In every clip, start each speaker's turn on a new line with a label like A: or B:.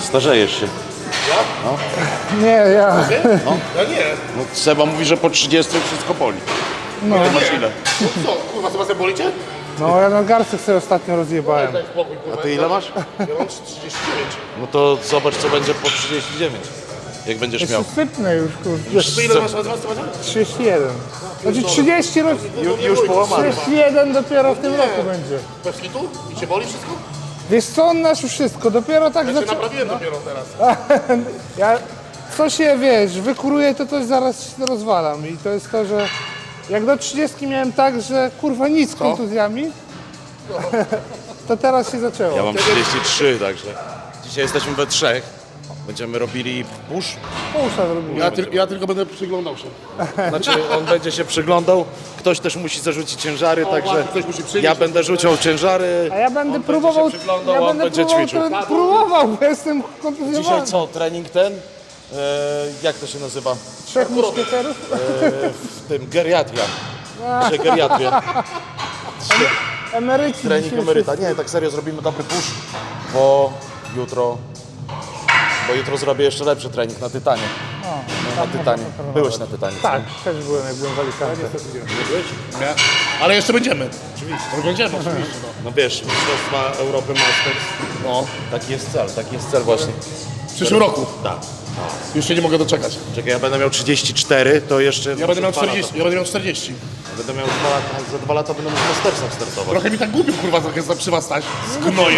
A: Starzejesz się.
B: Nie, ja.
A: No.
C: Ja nie.
A: No, Seba mówi, że po 30 wszystko boli.
B: No,
A: Ty masz ile?
C: No co, kurwa, Sebastian, boli cię?
B: no ja na garstce sobie ostatnio rozjebałem.
C: Daj spokój, kurwa.
A: A ty ile masz?
C: Ja mam 39.
A: No to zobacz, co będzie po 39. Jak będziesz miał.
B: Jeszcze sypnę już, kurde.
C: Ty ile masz lat, Sebastian?
B: 31. Znaczy 30 roz...
A: Już połamany.
B: 31 dopiero w tym roku będzie.
C: Bez kitu? I cię boli wszystko?
B: Wiesz co, on nasz już wszystko, dopiero tak
C: Ja cię
B: zaczął...
C: naprawiłem dopiero teraz.
B: Ja, co się, wiesz, wykuruję, to coś zaraz się rozwalam i to jest to, że jak do 30 miałem tak, że kurwa nic z kontuzjami, to teraz się zaczęło.
A: Ja mam 33, także dzisiaj jesteśmy we trzech. Będziemy robili push.
B: Pusza zrobiłem.
C: Ja tylko będę przyglądał się.
A: Znaczy on będzie się przyglądał, ktoś też musi zarzucić ciężary, także
C: ktoś musi przyjść.
A: ja będę rzucał ciężary.
B: A ja będę
A: on
B: próbował,
A: będzie się przyglądał,
B: ja
A: on
B: będę
A: będzie
B: próbował,
A: ćwiczył.
B: próbował, bo jestem kontuzjowany.
A: Dzisiaj co, trening ten? Jak to się nazywa?
B: 3 muszkieterów?
A: W tym geriatria. Czy geriatrię.
B: Emeryci
A: Trening
B: dzisiaj
A: emeryta. Nie, tak serio zrobimy dobry push, bo jutro zrobię jeszcze lepszy trening na Tytanie. No, na Tytanie. Byłeś na Tytanie.
B: Tak, też byłem, jak byłem w Alicante.
C: Nie. Ale jeszcze będziemy. Oczywiście. Będziemy, oczywiście.
A: No wiesz, Mistrzostwa Europy Masters,
C: No.
A: taki jest cel właśnie.
C: W przyszłym roku.
A: Tak.
C: Już się nie mogę doczekać.
A: Czekaj, ja będę miał 34, to jeszcze...
C: Ja będę miał
A: 2
C: 40.
A: lata.
C: Ja będę miał 40.
A: Będę miał 2 lata, za 2 lata będę mógł w Mastersach startować.
C: Trochę mi tak głupio, kurwa, trochę przy was stać. Zgnoję.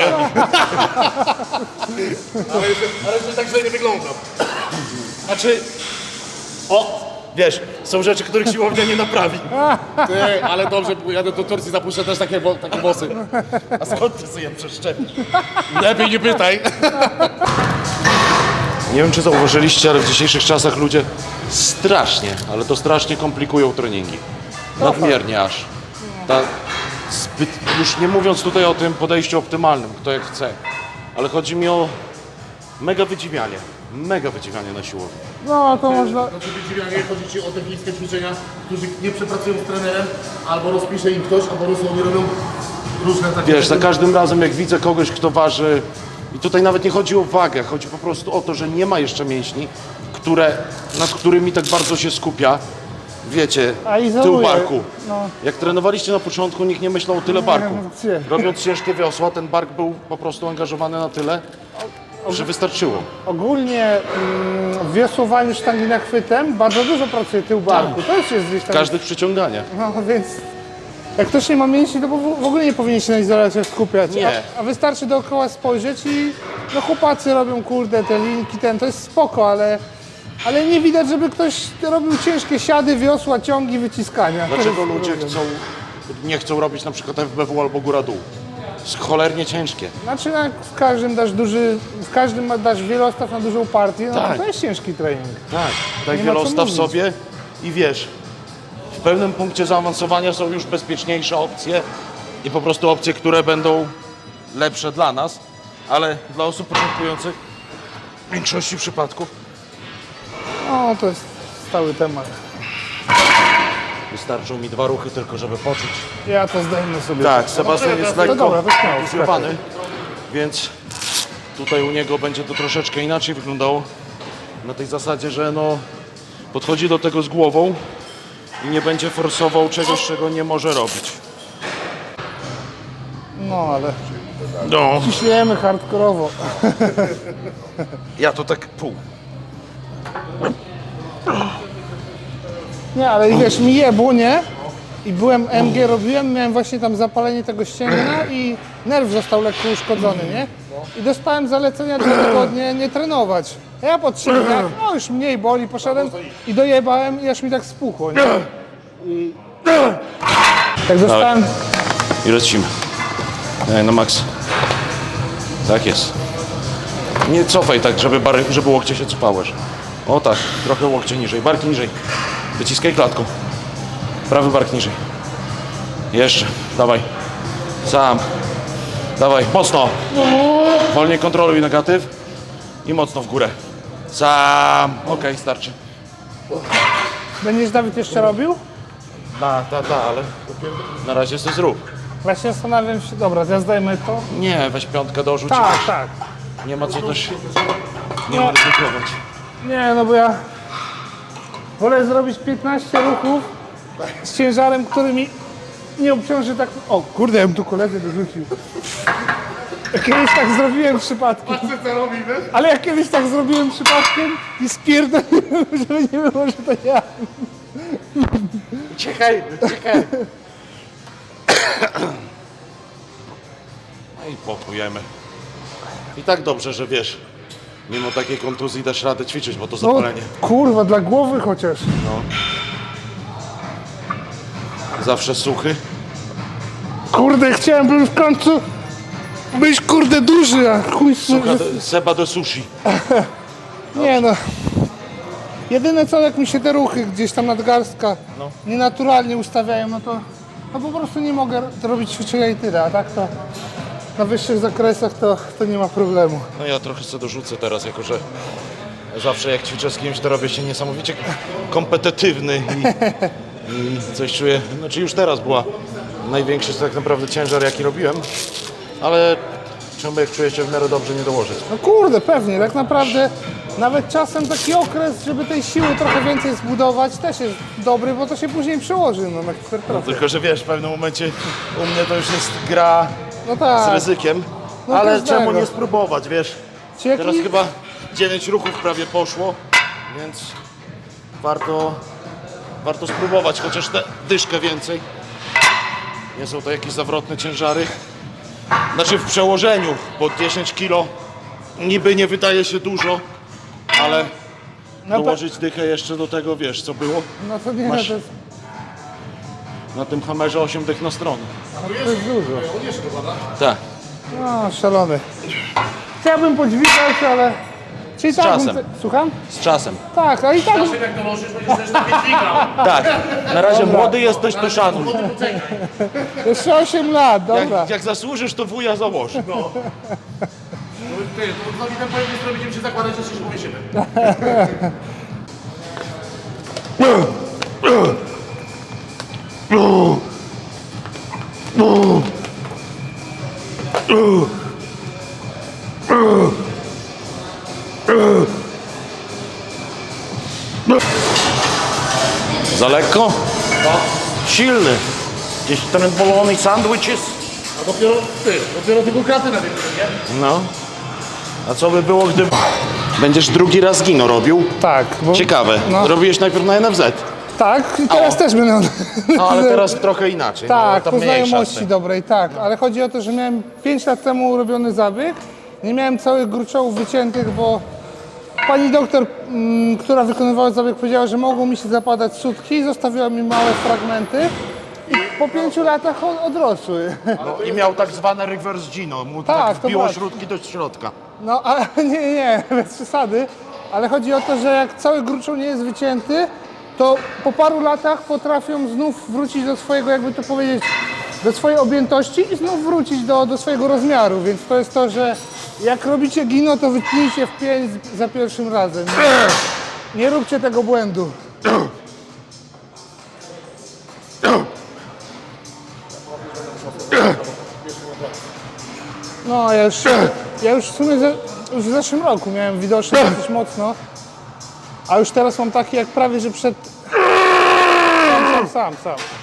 C: ale że tak źle nie wyglądam.
A: Znaczy, wiesz, są rzeczy, których siłownia nie naprawi.
C: Ty, ale dobrze, bo jadę do Turcji, zapuszczę też takie włosy.
A: A skąd ty sobie je przeszczepisz?
C: Lepiej nie pytaj.
A: Nie wiem, czy zauważyliście, ale w dzisiejszych czasach ludzie strasznie, ale to strasznie komplikują treningi. Nadmiernie aż. Już nie mówiąc tutaj o tym podejściu optymalnym, kto jak chce, ale chodzi mi o mega wydziwianie na siłowni.
B: No, to można...
C: Znaczy wydziwianie, chodzi ci o techniczne ćwiczenia, którzy nie przepracują z trenerem, albo rozpisze im ktoś, albo oni robią różne takie...
A: Wiesz, za każdym razem jak widzę kogoś, kto waży, i tutaj nawet nie chodzi o wagę, chodzi po prostu o to, że nie ma jeszcze mięśni, nad którymi tak bardzo się skupia, wiecie,
B: A
A: tył
B: izoluje.
A: barku.
B: No.
A: Jak trenowaliście na początku, nikt nie myślał o tyle barku.
B: nie.
A: Robiąc ciężkie wiosła, ten bark był po prostu angażowany na tyle, że wystarczyło.
B: Ogólnie w wiosłowaniu sztangi nachwytem bardzo dużo pracuje tył barku. To już jest gdzieś
A: W
B: tam...
A: każdych przyciąganiach.
B: No więc jak ktoś nie ma mięśni, to w ogóle nie powinien się na izolacjach skupiać.
A: Nie.
B: A wystarczy dookoła spojrzeć i no chłopacy robią kurde te linki, to jest spoko, ale nie widać, żeby ktoś robił ciężkie siady, wiosła, ciągi, wyciskania.
A: Dlaczego
B: To jest
A: ludzie
B: problem.
A: nie chcą robić na przykład FBW albo góra-dół? Jest cholernie ciężkie.
B: Znaczy jak w każdym dasz wielostaw na dużą partię, no
A: Tak.
B: to jest ciężki trening.
A: Tak, daj
B: Nie ma co
A: wielostaw
B: mówić.
A: sobie i wiesz, w pewnym punkcie zaawansowania są już bezpieczniejsze opcje i po prostu opcje, które będą lepsze dla nas, ale dla osób początkujących w większości przypadków
B: No to jest stały temat.
A: wystarczą mi 2 ruchy tylko, żeby poczuć.
B: Ja to zdejmę sobie.
A: Tak, Sebastian jest
B: to
A: lekko
B: dobra, to śmiało,
A: zjebany, więc tutaj u niego będzie to troszeczkę inaczej wyglądało. Na tej zasadzie, że no podchodzi do tego z głową i nie będzie forsował czegoś, czego nie może robić.
B: No ale
A: No,
B: ciśniemy hardkorowo.
A: ja to tak pół.
B: Nie, ale wiesz, mi jebło, nie? I byłem MG robiłem, miałem właśnie tam zapalenie tego ścięgna i nerw został lekko uszkodzony, nie? I dostałem zalecenia 2 tygodnie nie trenować. A ja po 3 dniach, no już mniej boli, poszedłem i dojebałem i aż mi tak spuchło, nie? I jak dostałem...
A: I lecimy. Na maks. Tak jest. Nie cofaj tak, żeby łokcie się cupałeś. O tak, trochę łokcie niżej, bark niżej. Wyciskaj klatką. Prawy bark niżej. Jeszcze, dawaj. Sam. Dawaj, mocno. Wolniej kontroluj negatyw. I mocno w górę. Sam. Okej, starczy.
B: Będziesz, Dawid, jeszcze robił?
A: Ale na razie sobie zrób.
B: Właśnie zastanawiam się, dobra, ja zdejmę to.
A: Nie, weź piątkę dorzuć.
B: Tak, tak.
A: Nie ma co też nie ryzykować.
B: Nie, no bo ja wolę zrobić 15 ruchów z ciężarem, który mi nie obciąży tak... O kurde, ja bym tu koledzy dorzucił. Kiedyś tak zrobiłem przypadkiem.
C: Patrzcie co robi, wiesz?
B: Ale jak kiedyś tak zrobiłem przypadkiem i spierdoliłem, żeby nie było, że to ja.
A: Uciekaj. No i popujemy. I tak dobrze, że wiesz, mimo takiej kontuzji dasz radę ćwiczyć, bo to
B: No
A: zapalenie.
B: kurwa, dla głowy chociaż.
A: Zawsze suchy.
B: Kurde, chciałem w końcu być kurde duży, a chuj...
A: Seba do sushi.
B: Nie no. Jedyne co, jak mi się te ruchy gdzieś tam nadgarstka nienaturalnie ustawiają, no to po prostu nie mogę robić ćwiczenia i tyle, a tak to na wyższych zakresach to nie ma problemu.
A: No ja trochę sobie dorzucę teraz, jako że zawsze jak ćwiczę z kimś, to robię się niesamowicie kompetytywny i coś czuję, znaczy już teraz była największy tak naprawdę ciężar, jaki robiłem, ale czemu jak czuję się w miarę dobrze nie dołożyć.
B: No kurde, pewnie, tak naprawdę nawet czasem taki okres, żeby tej siły trochę więcej zbudować też jest dobry, bo to się później przełoży na hipertrofię.
A: Tylko, że wiesz, w pewnym momencie u mnie to już jest gra
B: No
A: z
B: tak.
A: ryzykiem,
B: No
A: ale
B: każdego.
A: czemu nie spróbować, wiesz?
B: Czy jaki-
A: Teraz chyba 9 ruchów prawie poszło, więc warto spróbować, chociaż tę dyszkę więcej. Nie są to jakieś zawrotne ciężary. Znaczy w przełożeniu, bo 10 kg niby nie wydaje się dużo, ale
B: No,
A: dołożyć dychę jeszcze do tego, wiesz co było?
B: no to nie,
A: Masz-
B: to jest,
A: Na tym hamerze 8 dych na stronę.
B: to jest dużo.
C: On jeszcze dopada.
A: Tak.
B: No, szalony. Chciałbym podźwigać, ale... Czyli
A: Z
B: tak,
A: czasem.
B: Słucham?
A: Z czasem.
B: Tak, a i tak...
C: Czasem jak dołożysz, będziesz też takie dźwigał.
A: Tak. Na razie młody jesteś, to szanuj.
B: Jeszcze 8 lat, dobra.
A: Jak zasłużysz, to wuja założy.
C: No. Ty, to z Dawidem po jednej stronie będziemy się zakładać, że się powiesimy.
A: Za lekko? Silny. Gdzieś trembolony sandwiches?
C: A dopiero tylko kraty na tym, nie?
A: No. A co by było, gdyby... Będziesz drugi raz gino robił?
B: Tak, bo...
A: Ciekawe.
B: No.
A: Robiłeś najpierw na NFZ.
B: Tak, i teraz
A: O.
B: też będę...
A: No ale teraz trochę inaczej.
B: Tak,
A: no,
B: po
A: mniejsza z
B: znajomości
A: tym.
B: dobrej, tak. Ale chodzi o to, że miałem 5 lat temu robiony zabieg. Nie miałem całych gruczołów wyciętych, bo pani doktor, która wykonywała zabieg, powiedziała, że mogą mi się zapadać sutki. Zostawiła mi małe fragmenty. I po 5 latach odrosły.
A: No, i miał tak zwane reverse gino. Mu
B: Tak,
A: tak
B: to
A: wbiło
B: właśnie.
A: śrutki do środka.
B: No, ale nie, bez przesady. Ale chodzi o to, że jak cały gruczoł nie jest wycięty, to po paru latach potrafią znów wrócić do swojego, jakby to powiedzieć, do swojej objętości i znów wrócić do swojego rozmiaru. Więc to jest to, że jak robicie gino, to wytnijcie w 5 za pierwszym razem. Nie róbcie tego błędu. No, ja już w sumie już w zeszłym roku miałem widoczny dosyć mocno, a już teraz mam taki jak prawie, że przed... Sam.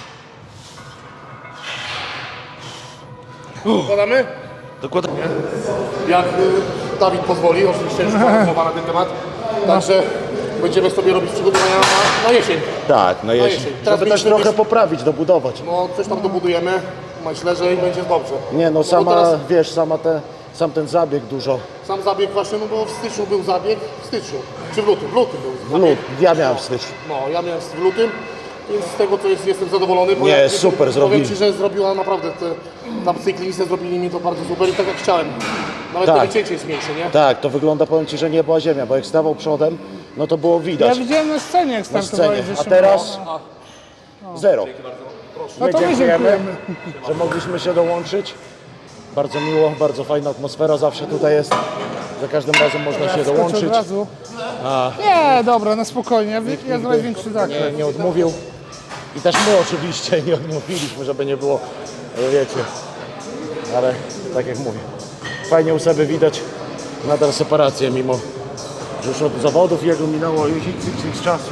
C: Podamy?
A: Dokładnie.
C: Jak Dawid pozwoli, oczywiście już była rozmowa na ten temat. Także będziemy sobie robić przygotowania na jesień.
A: Tak, na jesień.
C: jesień. Teraz
A: Żeby też
C: mieliśmy
A: trochę
C: już-
A: poprawić, dobudować.
C: No coś tam dobudujemy, myślę, że i będzie dobrze.
A: Nie no,
C: bo
A: sama,
C: teraz
A: wiesz, sam ten zabieg dużo.
C: sam zabieg właśnie, no bo w styczniu był zabieg, w styczniu, czy w lutym był
A: W
C: zabieg.
A: ja miałem w styczniu.
C: No, ja miałem w lutym, więc z tego to jestem zadowolony. Bo
A: Nie,
C: jak-
A: super
C: powiem
A: zrobili.
C: Ci, że zrobiła naprawdę, tam cyklistę zrobili mi to bardzo super i tak jak chciałem. Nawet
A: Tak.
C: to wycięcie jest mniejsze, nie?
A: Tak, to wygląda, powiem Ci, że nie była ziemia, bo jak stawał przodem, no to było
B: Ja
A: widać
B: widziałem na scenie, jak
A: na
B: startowali
A: scenie.
B: w
A: A
B: zeszłym
A: teraz
B: roku.
A: zero.
B: No to my dziękujemy.
A: że mogliśmy się dołączyć. Bardzo miło, bardzo fajna atmosfera zawsze tutaj jest. Za każdym razem można się
B: Skoczę
A: dołączyć.
B: od razu. Nie, dobra, na spokojnie. Ja z największy zakres.
A: Nie odmówił. I też my oczywiście nie odmówiliśmy, żeby nie było, wiecie. Ale tak jak mówię, fajnie u siebie widać nadal separację, mimo że już od zawodów jego minęło już x czasu.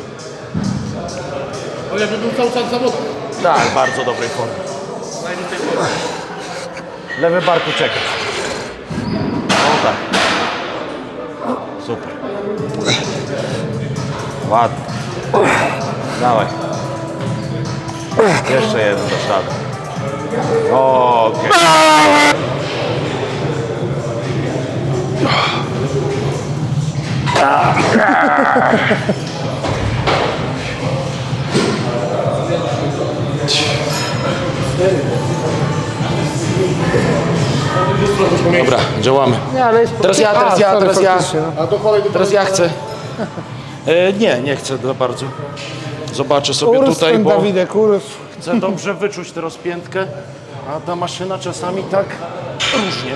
C: No jakby był cały czas zawodem.
A: Tak, bardzo dobrej formie. Lewy bark ucieka. O tak. Super. Ładnie. Dawaj. Jeszcze jeden do szady. Okej. Dobra, działamy.
B: Nie, ale jest...
A: Teraz ja.
B: faktycznie, no.
C: A do kolei
A: Teraz ja chcę. Nie chcę za bardzo. Zobaczę sobie
B: Urósł
A: tutaj,
B: ten
A: bo
B: Dawidek, urósł.
A: chcę dobrze wyczuć tę rozpiętkę, a ta maszyna czasami tak różnie.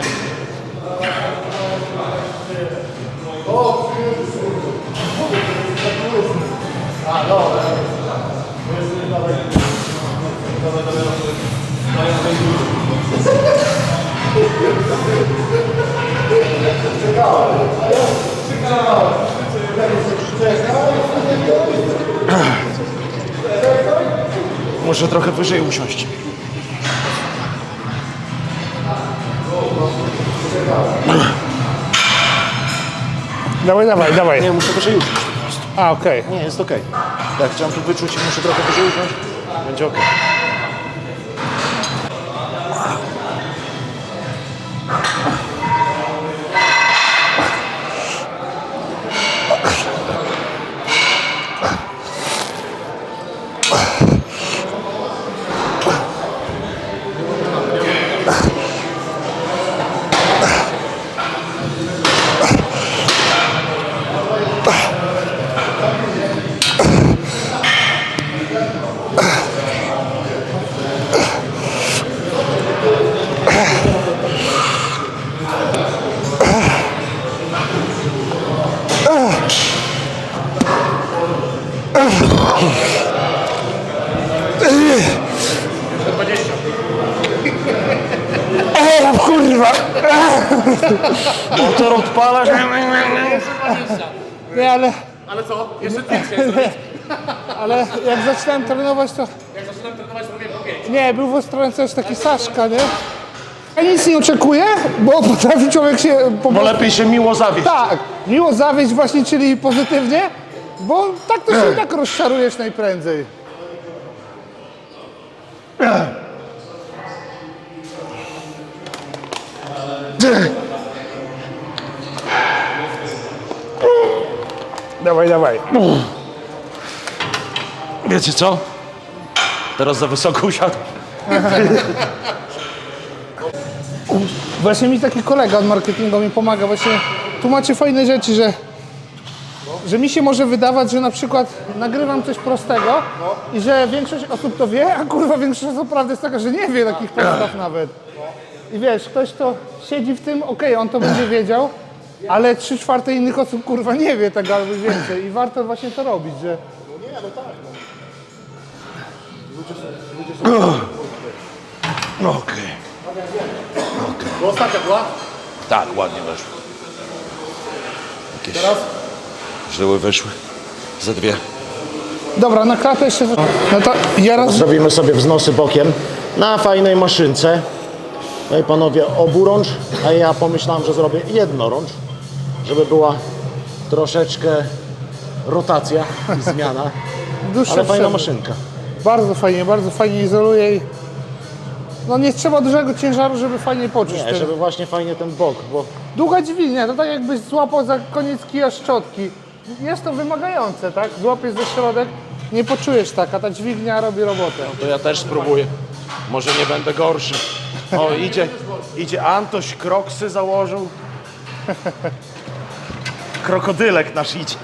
A: Muszę trochę wyżej usiąść.
B: Dawaj.
A: Nie, muszę wyżej usiąść.
B: A, okej.
A: Nie, jest okej. Tak, chciałem tu wyczuć i muszę trochę wyżej usiąść. Będzie okej.
B: Kurwa!
A: Motor odpalasz.
B: Nie,
C: Ale co? Jeszcze 5 chciałem zrobić.
B: ale jak zaczynałem trenować, to...
C: Jak zaczynam trenować, robię po 5.
B: Nie, był w Ostrowcu też taki Saszka, nie? Ja nic nie oczekuję, bo potrafi człowiek się po
A: Bo
B: prostu...
A: lepiej się miło zawieść.
B: Tak, miło zawieść właśnie, czyli pozytywnie, bo tak to się i tak rozczarujesz najprędzej. Dawaj.
A: Wiecie co? Teraz za wysoko usiadłem.
B: Właśnie mi taki kolega od marketingu mi pomaga, właśnie tłumaczy fajne rzeczy, że mi się może wydawać, że na przykład nagrywam coś prostego i że większość osób to wie, a kurwa większość osób prawda jest taka, że nie wie takich podstaw nawet. I wiesz, ktoś to siedzi w tym, okej, on to będzie wiedział, ale 3/4 innych osób kurwa nie wie tego albo więcej i warto właśnie to robić, że...
A: Okej.
C: To ostatnia była?
A: Tak, ładnie weszło. Jakieś
C: Teraz?
A: żyły wyszły. Ze dwie.
B: Dobra, na klatę jeszcze... No to ja raz...
A: Zrobimy sobie wznosy bokiem na fajnej maszynce. No i panowie, oburącz, a ja pomyślałem, że zrobię jednorącz, żeby była troszeczkę rotacja i zmiana,
B: Dłuższe
A: ale fajna
B: przerwy.
A: maszynka.
B: Bardzo fajnie izoluje i... No nie trzeba dużego ciężaru, żeby fajnie poczuć
A: Nie,
B: ten...
A: żeby właśnie fajnie ten bok, bo
B: Długa dźwignia, to tak jakbyś złapał za koniec kija szczotki. Jest to wymagające, tak? Złapiesz za środek, nie poczujesz tak, a ta dźwignia robi robotę.
A: to ja też spróbuję. Może nie będę gorszy. O, idzie Antoś, kroksy założył. Krokodylek nasz idzie.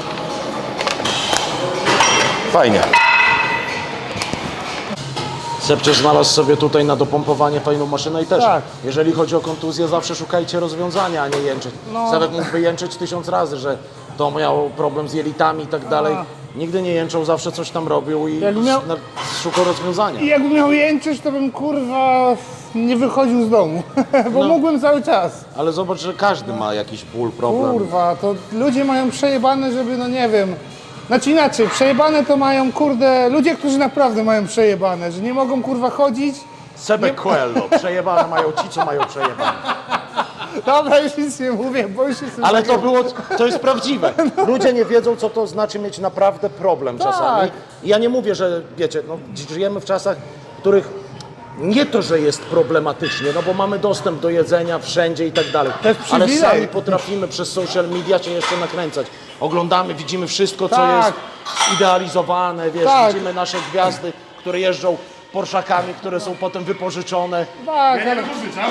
A: Fajnie. Sebcze znalazł sobie tutaj na dopompowanie fajną maszynę i też,
B: Tak.
A: jeżeli chodzi o kontuzję, zawsze szukajcie rozwiązania, a nie jęczeć.
B: No.
A: Sebek mógłby jęczeć 1000 razy, że to miał problem z jelitami i tak dalej. Nigdy nie jęczał, zawsze coś tam robił i szukał rozwiązania.
B: I jakbym miał jęczyć, to bym kurwa nie wychodził z domu, bo mógłbym cały czas.
A: Ale zobacz, że każdy ma jakiś ból, problem.
B: Kurwa, to ludzie mają przejebane, żeby, no nie wiem, znaczy inaczej, przejebane to mają, kurde, ludzie, którzy naprawdę mają przejebane, że nie mogą kurwa chodzić.
A: Sebek Coelho, przejebane mają ci, co mają przejebane.
B: Dobra, już nic nie mówię, bo już jestem...
A: Ale to jest prawdziwe. Ludzie nie wiedzą, co to znaczy mieć naprawdę problem czasami. I ja nie mówię, że wiecie, no, żyjemy w czasach, w których nie to, że jest problematycznie, no bo mamy dostęp do jedzenia wszędzie i tak dalej.
B: To jest
A: Ale
B: przywilej.
A: sami potrafimy przez social media się jeszcze nakręcać. Oglądamy, widzimy wszystko, co
B: Tak.
A: jest idealizowane, wiesz,
B: Tak.
A: widzimy nasze gwiazdy, które jeżdżą Porszakami, które są potem wypożyczone.
B: Tak, ale...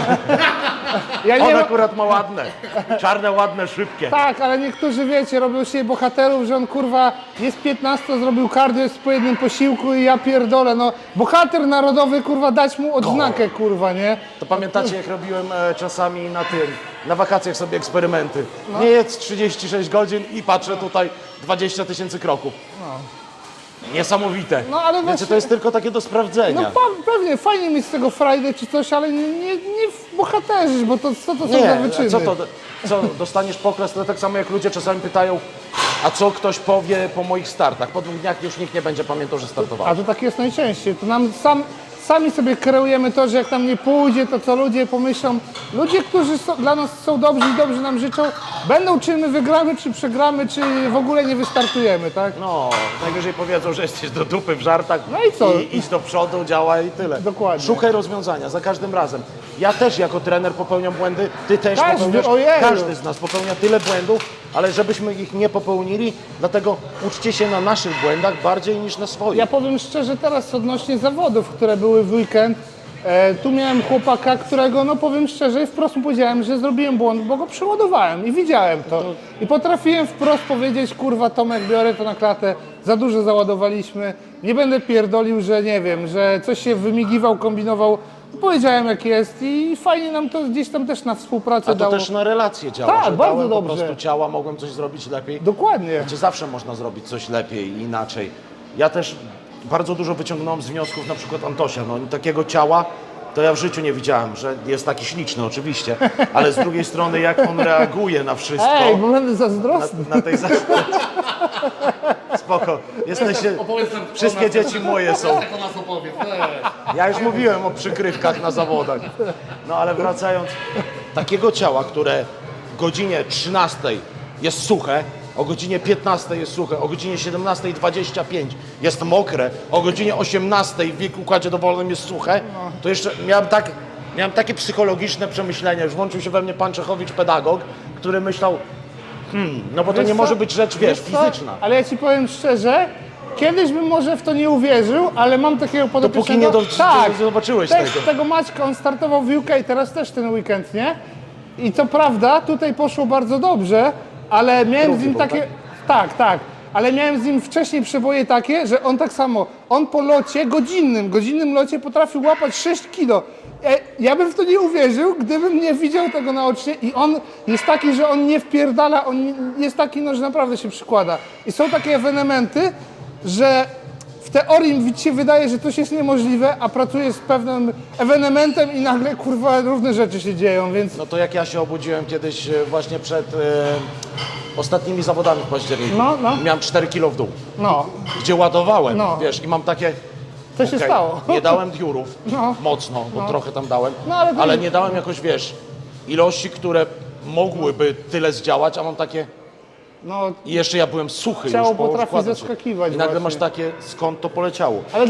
B: Ja
A: On
B: nie...
A: akurat ma ładne, czarne, ładne, szybkie.
B: Tak, ale niektórzy, wiecie, robią się bohaterów, że on kurwa jest 15, zrobił kardio, jest po jednym posiłku i ja pierdolę, no bohater narodowy, kurwa, dać mu odznakę, kurwa, nie?
A: To pamiętacie, jak robiłem czasami na wakacjach sobie eksperymenty. Nie jedz 36 godzin i patrzę tutaj 20 000 kroków. Niesamowite.
B: No, ale
A: Wiecie,
B: właśnie-
A: to jest tylko takie do sprawdzenia.
B: No pewnie, fajnie mieć z tego Friday czy coś, ale nie w bohaterzy, bo to co to są za
A: Nie,
B: wyczyny?
A: co, dostaniesz pokres, to tak samo jak ludzie czasami pytają, a co ktoś powie po moich startach? Po 2 dniach już nikt nie będzie pamiętał, że
B: A
A: startowałem.
B: to tak jest najczęściej. To nam sami sobie kreujemy to, że jak nam nie pójdzie, to co ludzie pomyślą. Ludzie, którzy dla nas są dobrzy i dobrze nam życzą, będą czy my wygramy, czy przegramy, czy w ogóle nie wystartujemy, tak?
A: No, najwyżej powiedzą, że jesteś do dupy w żartach.
B: No i co?
A: Idź do przodu, działaj i tyle.
B: Dokładnie.
A: Szukaj rozwiązania za każdym razem. Ja też jako trener popełniam błędy, ty też
B: Każdy,
A: popełniasz.
B: ojeju.
A: Każdy z nas popełnia tyle błędów, ale żebyśmy ich nie popełnili, dlatego uczcie się na naszych błędach bardziej niż na swoich.
B: Ja powiem szczerze teraz odnośnie zawodów, które były w weekend. Tu miałem chłopaka, którego, no powiem szczerze, wprost mu powiedziałem, że zrobiłem błąd, bo go przeładowałem i widziałem to. I potrafiłem wprost powiedzieć, kurwa Tomek, biorę to na klatę, za dużo załadowaliśmy, nie będę pierdolił, że nie wiem, że coś się wymigiwał, kombinował. Powiedziałem jak jest i fajnie nam to gdzieś tam też na współpracę
A: A to
B: dało.
A: też na relacje działa,
B: Tak,
A: że
B: bardzo
A: dałem
B: dobrze.
A: po prostu ciała, mogłem coś zrobić lepiej.
B: Dokładnie.
A: Gdzie zawsze można zrobić coś lepiej i inaczej. Ja też bardzo dużo wyciągnąłem z wniosków, na przykład Antosia, no takiego ciała to ja w życiu nie widziałem, że jest taki śliczny oczywiście, ale z drugiej strony jak on reaguje na wszystko,
B: Ej, bo będę zazdrosny.
A: na tej Spoko, jesteście,
C: Opowiedz nam,
A: wszystkie dzieci moje są.
C: Jak o nas opowiedz.
A: Ja już mówiłem o przykrywkach na zawodach. No ale wracając, takiego ciała, które o godzinie 13 jest suche, o godzinie 15 jest suche, o godzinie 17:25 jest mokre, o godzinie 18 w układzie dowolnym jest suche, to jeszcze miałem takie psychologiczne przemyślenia, już włączył się we mnie pan Czechowicz, pedagog, który myślał, no bo to
B: Wiesz
A: nie
B: co?
A: może być rzecz, wiesz,
B: co?
A: fizyczna.
B: Ale ja ci powiem szczerze, kiedyś bym może w to nie uwierzył, ale mam takiego podopiecznego...
A: Dopóki nie zobaczyłeś
B: też
A: tego.
B: tego Maćka, on startował w UK, teraz też ten weekend, nie? I co prawda, tutaj poszło bardzo dobrze, ale miałem z nim
A: był,
B: takie... Tak, ale miałem z nim wcześniej przeboje takie, że on tak samo, on po locie, godzinnym locie potrafił łapać 6 kilo. Ja bym w to nie uwierzył, gdybym nie widział tego naocznie i on jest taki, że on nie wpierdala, on jest taki, no, że naprawdę się przykłada. I są takie ewenementy, że w teorii mi się wydaje, że coś jest niemożliwe, a pracuję z pewnym ewenementem i nagle, kurwa, różne rzeczy się dzieją, więc...
A: No to jak ja się obudziłem kiedyś właśnie przed ostatnimi zawodami w październiku.
B: No.
A: Miałem 4 kilo w dół,
B: No,
A: gdzie ładowałem,
B: No.
A: wiesz, i mam takie...
B: co się
A: okej,
B: stało?
A: Nie dałem diurów,
B: No.
A: mocno, bo trochę tam dałem,
B: No, ale to
A: ale
B: nie-
A: nie dałem jakoś, wiesz, ilości, które mogłyby tyle zdziałać, a mam takie...
B: No,
A: I jeszcze ja byłem suchy
B: Ciało
A: już, bo
B: potrafi
A: układam się.
B: zaskakiwać
A: I nagle
B: właśnie.
A: masz takie, skąd to poleciało.
B: ale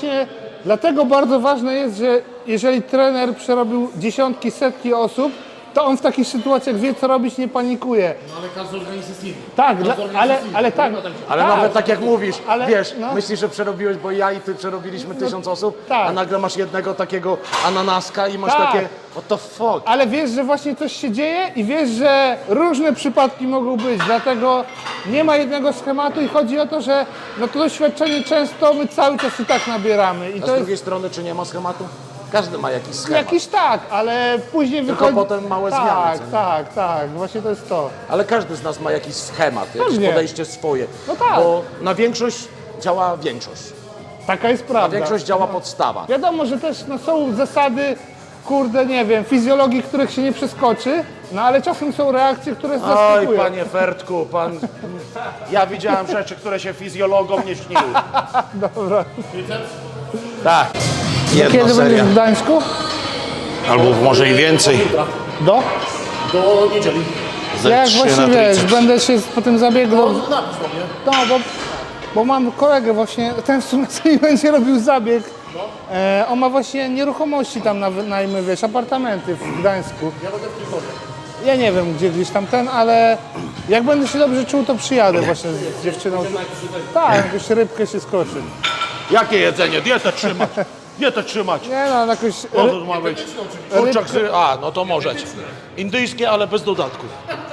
B: dlatego bardzo ważne jest, że jeżeli trener przerobił dziesiątki, setki osób, to on w takich sytuacjach wie, co robić, nie panikuje.
C: No ale każdy organizm jest inny.
B: Tak,
C: Każdy organizm
B: ale,
C: jest inny.
B: ale tak.
A: Ale
B: tak.
A: nawet tak jak mówisz,
B: Ale-
A: wiesz,
B: no.
A: myślisz, że przerobiłeś, bo ja i ty przerobiliśmy 1000 osób,
B: tak.
A: a nagle masz jednego takiego ananaska i masz
B: Tak.
A: takie, what the fuck.
B: Ale wiesz, że właśnie coś się dzieje i wiesz, że różne przypadki mogą być, dlatego nie ma jednego schematu i chodzi o to, że no to doświadczenie często my cały czas i tak nabieramy. I
A: A
B: to
A: z
B: jest
A: drugiej strony, czy nie ma schematu? Każdy ma jakiś schemat.
B: jakiś tak, ale później
A: Tylko
B: wychodzi...
A: potem małe
B: tak,
A: zmiany, co nie?
B: tak, właśnie to jest to.
A: Ale każdy z nas ma jakiś schemat, jakieś
B: Pewnie.
A: podejście swoje.
B: No tak.
A: Bo na większość działa większość.
B: Taka jest
A: Na
B: prawda.
A: większość działa podstawa.
B: Wiadomo, że też no, są zasady, kurde, nie wiem, fizjologii, których się nie przeskoczy, no ale czasem są reakcje, które
A: Oj,
B: zaskakują.
A: panie Fertku, pan... Ja widziałem rzeczy, które się fizjologom nie śniły.
B: Dobra.
A: Tak.
B: Kiedy będziesz w Gdańsku?
A: Albo może i więcej.
B: Do?
C: Do niedzieli.
B: Ja jak właśnie wiesz, będę się po tym zabiegu...
C: No napisz do mnie.
B: No, bo mam kolegę właśnie, ten w sumie co mi będzie robił zabieg. On ma właśnie nieruchomości tam na wynajmy, wiesz, apartamenty w Gdańsku.
C: Ja będę w Trójkowie.
B: Ja nie wiem gdzie gdzieś tam ten, ale jak będę się dobrze czuł, to przyjadę właśnie z dziewczyną. Tak, jakąś rybkę się skoczy.
A: Jakie jedzenie? Dietę trzymać. Dietę trzymać.
B: Nie no, jakoś...
A: O, to ma być. Kurczak z... A, no to możecie. Indyjskie, ale bez dodatków.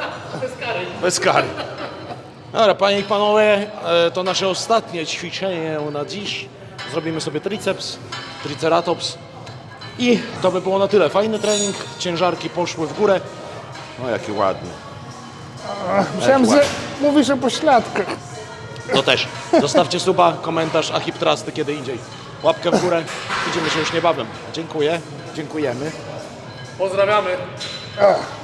A: Bez kary. Dobra, panie i panowie, to nasze ostatnie ćwiczenie na dziś. Zrobimy sobie triceps, triceratops. I to by było na tyle. Fajny trening, ciężarki poszły w górę. No jaki ładny.
B: Myślałem, że mówisz o pośladkach.
A: To też. Zostawcie suba, komentarz, a hip trusty kiedy indziej. Łapkę w górę. Widzimy się już niebawem. Dziękuję. Dziękujemy.
C: Pozdrawiamy.